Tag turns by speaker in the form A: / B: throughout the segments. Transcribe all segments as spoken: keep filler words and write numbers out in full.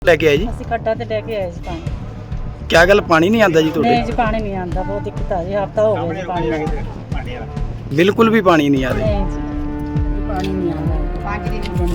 A: लेके आए जी
B: ਅਸੀਂ ਖੱਡਾ ਤੇ ਲੈ ਕੇ ਆਏ ਸੀ ਪਾਣੀ।
A: क्या गल पानी नहीं आता जी
B: ਨਹੀਂ
A: थोड़े
B: ਜੀ ਪਾਣੀ ਨਹੀਂ ਆਉਂਦਾ, ਬਹੁਤ ਦਿੱਕਤ ਆ ਰਹੀ ਹੈ। ਹਫਤਾ ਹੋ ਗਿਆ ਜੀ ਪਾਣੀ ਨਹੀਂ
A: बिल्कुल भी पानी नहीं आ रहा
B: ਜੀ ਪਾਣੀ ਨਹੀਂ ਆਉਂਦਾ ਪੰਜ ਦਿਨ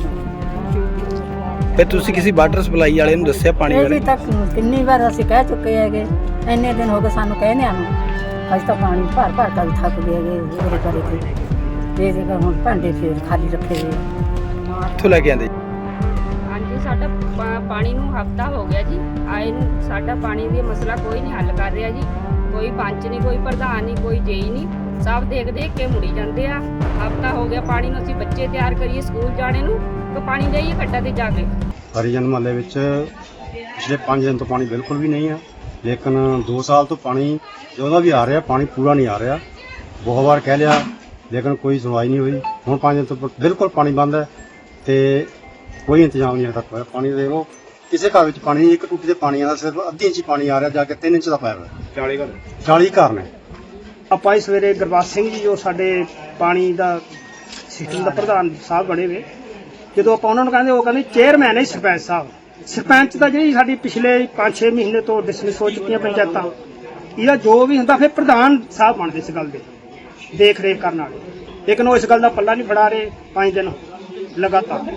A: फिर तुसी किसी वाटर सप्लाई वाले ਨੂੰ ਦੱਸਿਆ ਪਾਣੀ
B: ਇਹ
A: ਬਾਰੇ
B: ਜੀ ਤੱਕ ਕਿੰਨੀ ਵਾਰ ਅਸੀਂ ਕਹਿ ਚੁੱਕੇ ਹੈਗੇ, ਇੰਨੇ ਦਿਨ ਹੋ ਗਏ ਸਾਨੂੰ ਕਹਿੰਦਿਆਂ ਨੂੰ। ਅੱਜ ਤਾਂ ਪਾਣੀ ਭਰ ਭਰ ਕੇ ਥੱਕ ਗਏ ਹੈਗੇ ਉਹਦੇ ਕਰੇ ਤੇ ਇਹ ਜਗ੍ਹਾ ਹੁਣ ਭਾਂਡੇ ਫੇਰ ਖਾਲੀ ਰੱਖੇ ਹੋਏ ਆ।
A: ਕਿੱਥੋਂ ਲੈ ਕੇ ਆਂਦੇ
C: ਹਾਂਜੀ ਸਾਡਾ ਪਾ- ਪਾਣੀ ਨੂੰ ਹਫਤਾ ਹੋ ਗਿਆ ਜੀ ਆਏ ਨੂੰ। ਸਾਡਾ ਪਾਣੀ ਦੀ ਮਸਲਾ ਕੋਈ ਨਹੀਂ ਹੱਲ ਕਰ ਰਿਹਾ ਜੀ। ਕੋਈ ਪੰਚ ਨਹੀਂ, ਕੋਈ ਪ੍ਰਧਾਨ ਨਹੀਂ, ਕੋਈ ਜੇਈ ਨਹੀਂ। ਸਭ ਦੇਖ ਦੇਖ ਕੇ ਮੁੜੀ ਜਾਂਦੇ ਆ। ਹਫਤਾ ਹੋ ਗਿਆ ਪਾਣੀ ਨੂੰ। ਅਸੀਂ ਬੱਚੇ ਤਿਆਰ ਕਰੀਏ ਸਕੂਲ ਜਾਣੇ ਨੂੰ ਤਾਂ ਪਾਣੀ ਦੇਈਏ ਖੱਡਾ ਤੇ ਜਾ ਕੇ।
D: ਹਰੀਜਨ ਮਹੱਲੇ ਵਿੱਚ ਪਿਛਲੇ ਪੰਜ ਦਿਨ ਤੋਂ ਪਾਣੀ ਬਿਲਕੁਲ ਵੀ ਨਹੀਂ ਆ, ਲੇਕਿਨ ਦੋ ਸਾਲ ਤੋਂ ਪਾਣੀ ਜਦੋਂ ਵੀ ਆ ਰਿਹਾ ਪਾਣੀ ਪੂਰਾ ਨਹੀਂ ਆ ਰਿਹਾ। ਬਹੁਤ ਵਾਰ ਕਹਿ ਲਿਆ ਲੇਕਿਨ ਕੋਈ ਸੁਣਵਾਈ ਨਹੀਂ ਹੋਈ। ਹੁਣ ਪੰਜ ਦਿਨ ਤੋਂ ਬਿਲਕੁਲ ਪਾਣੀ ਬੰਦ ਹੈ ਤੇ ਕੋਈ ਇੰਤਜ਼ਾਮ ਨਹੀਂ ਤੱਕ ਹੋਇਆ ਪਾਣੀ ਦੇ। ਉਹ ਕਿਸੇ ਘਰ ਵਿੱਚ ਪਾਣੀ ਇੱਕ ਟੂਟੀ ਦੇ ਪਾਣੀ ਆਉਂਦਾ, ਸਿਰਫ ਅੱਧੀ ਇੰਚ ਪਾਣੀ ਆ ਰਿਹਾ, ਜਾ ਕੇ ਤਿੰਨ ਇੰਚ ਦਾ ਪਾਇਆ ਹੋਇਆ। ਚਾਲੀ ਘਰ ਚਾਲੀ ਘਰ ਨੇ।
E: ਆਪਾਂ ਇਸ ਸਵੇਰੇ ਗੁਰਬਾਜ ਸਿੰਘ ਜੀ ਜੋ ਸਾਡੇ ਪਾਣੀ ਦਾ ਸਿਸਟਮ ਦਾ ਪ੍ਰਧਾਨ ਸਾਹਿਬ ਬਣੇ ਵੇ, ਜਦੋਂ ਆਪਾਂ ਉਹਨਾਂ ਨੂੰ ਕਹਿੰਦੇ ਉਹ ਕਹਿੰਦੇ ਚੇਅਰਮੈਨ ਹੈ ਸਰਪੰਚ ਸਾਹਿਬ। ਸਰਪੰਚ ਦਾ ਜਿਹੜੀ ਸਾਡੀ ਪਿਛਲੇ ਪੰਜ ਛੇ ਮਹੀਨੇ ਤੋਂ ਡਿਸਮਿਸ ਹੋ ਚੁੱਕੀਆਂ ਪੰਚਾਇਤਾਂ, ਇਹਦਾ ਜੋ ਵੀ ਹੁੰਦਾ ਫਿਰ ਪ੍ਰਧਾਨ ਸਾਹਿਬ ਬਣਦੇ ਇਸ ਗੱਲ ਦੇ ਦੇਖ ਰੇਖ ਕਰਨ ਵਾਲੇ, ਲੇਕਿਨ ਉਹ ਇਸ ਗੱਲ ਦਾ ਪੱਲਾ ਨਹੀਂ ਫੜਾ ਰਹੇ। ਪੰਜ ਦਿਨ ਲਗਾਤਾਰ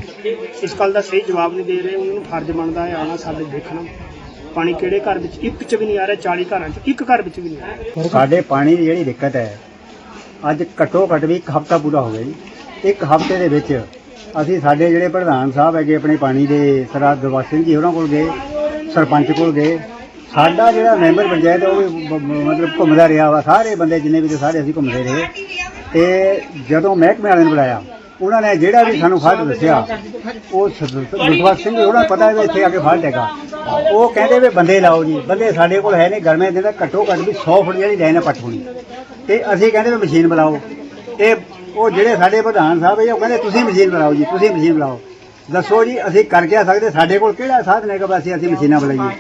E: ਇਸ ਗੱਲ ਦਾ ਸਹੀ ਜਵਾਬ ਨਹੀਂ ਦੇ ਰਹੇ। ਉਹਨਾਂ ਨੂੰ ਫਰਜ਼ ਬਣਦਾ ਹੈ ਆਉਣਾ ਸਾਡੇ ਦੇਖਣਾ ਪਾਣੀ ਕਿਹੜੇ ਘਰ ਵਿੱਚ ਇੱਕ ਚ ਵੀ ਨਹੀਂ ਆ ਰਿਹਾ, ਚਾਲੀ ਘਰਾਂ ਚ ਇੱਕ ਘਰ ਵਿੱਚ ਵੀ ਨਹੀਂ ਆ ਰਿਹਾ।
F: ਸਾਡੇ ਪਾਣੀ ਦੀ ਜਿਹੜੀ ਦਿੱਕਤ ਹੈ, ਅੱਜ ਘੱਟੋ ਘੱਟ ਵੀ ਇੱਕ ਹਫ਼ਤਾ ਪੂਰਾ ਹੋ ਗਿਆ ਜੀ। ਇੱਕ ਹਫ਼ਤੇ ਦੇ ਵਿੱਚ ਅਸੀਂ ਸਾਡੇ ਜਿਹੜੇ ਪ੍ਰਧਾਨ ਸਾਹਿਬ ਹੈਗੇ ਆਪਣੇ ਪਾਣੀ ਦੇ ਸਰਦਾਰ ਗੁਰਬਖਸ਼ ਸਿੰਘ ਜੀ ਉਹਨਾਂ ਕੋਲ ਗਏ, ਸਰਪੰਚ ਕੋਲ ਗਏ। ਸਾਡਾ ਜਿਹੜਾ ਮੈਂਬਰ ਪੰਚਾਇਤ ਉਹ ਵੀ ਬ- ਬ- ਮਤਲਬ ਘੁੰਮਦਾ ਰਿਹਾ ਵਾ। ਸਾਰੇ ਬੰਦੇ ਜਿੰਨੇ ਵੀ ਤੇ ਸਾਰੇ ਅਸੀਂ ਘੁੰਮਦੇ ਰਹੇ। ਤੇ ਜਦੋਂ ਮਹਿਕਮੇ ਵਾਲਿਆਂ ਨੂੰ ਬੁਲਾਇਆ, ਉਹਨਾਂ ਨੇ ਜਿਹੜਾ ਵੀ ਸਾਨੂੰ ਫਾਲਟ ਦੱਸਿਆ, ਉਹ ਗੁਰਬਖਸ਼ ਸਿੰਘ ਜੀ ਉਹਨਾਂ ਨੂੰ ਪਤਾ ਹੈ ਵੀ ਇੱਥੇ ਆ ਕੇ ਫਾਲਟ ਹੈਗਾ। ਉਹ ਕਹਿੰਦੇ ਵੀ ਬੰਦੇ ਲਾਓ ਜੀ। ਬੰਦੇ ਸਾਡੇ ਕੋਲ ਹੈ ਨਹੀਂ। ਗਰਮੇ ਦੇ ਤਾਂ ਘੱਟੋ ਘੱਟ ਵੀ ਸੌ ਫੁੱਟ ਜਿਹੜੀ ਲਾਈਨ ਹੈ ਪੱਟ ਹੋਣੀ, ਤੇ ਅਸੀਂ ਕਹਿੰਦੇ ਵੀ ਮਸ਼ੀਨ ਬੁਲਾਓ। ਤੇ ਉਹ ਜਿਹੜੇ ਸਾਡੇ ਪ੍ਰਧਾਨ ਸਾਹਿਬ ਹੈ ਉਹ ਕਹਿੰਦੇ ਤੁਸੀਂ ਮਸ਼ੀਨ ਬੁਲਾਓ ਜੀ, ਤੁਸੀਂ ਮਸ਼ੀਨ ਬੁਲਾਓ। ਦੱਸੋ ਜੀ ਅਸੀਂ ਕਰ ਕਿਆ ਸਕਦੇ? ਸਾਡੇ ਕੋਲ ਕਿਹੜਾ ਸਾਧਨ ਹੈਗਾ ਬਸ ਅਸੀਂ ਮਸ਼ੀਨਾਂ ਬੁਲਾਈਏ?